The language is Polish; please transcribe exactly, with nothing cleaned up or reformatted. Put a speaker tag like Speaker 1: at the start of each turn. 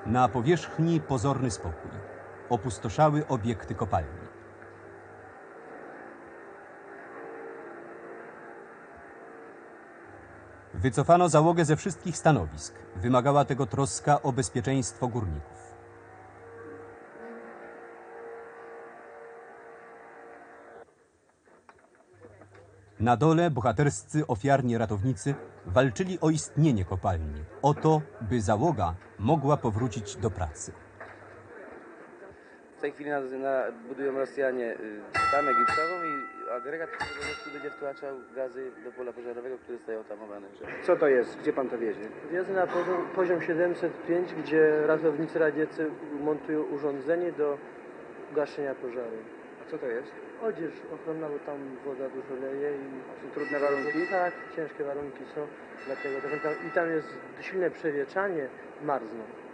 Speaker 1: Na powierzchni pozorny spokój. Opustoszały obiekty kopalni. Wycofano załogę ze wszystkich stanowisk. Wymagała tego troska o bezpieczeństwo górników. Na dole bohaterscy ofiarni ratownicy walczyli o istnienie kopalni, o to, by załoga mogła powrócić do pracy.
Speaker 2: W tej chwili na, na, budują Rosjanie y, tamę gipsową i agregat, który po prostu będzie wtłaczał gazy do pola pożarowego, które zostają tamowane.
Speaker 3: Co to jest? Gdzie pan to wiezie?
Speaker 4: Wjeżdżę na poziom, poziom siedemset pięć, gdzie ratownicy radzieccy montują urządzenie do gaszenia pożaru.
Speaker 3: A co to jest?
Speaker 4: Odzież ochronna, bo tam woda dużo leje i
Speaker 3: Są trudne warunki?
Speaker 4: tak, ciężkie warunki są, dlatego i tam jest silne przewietrzanie, marzną.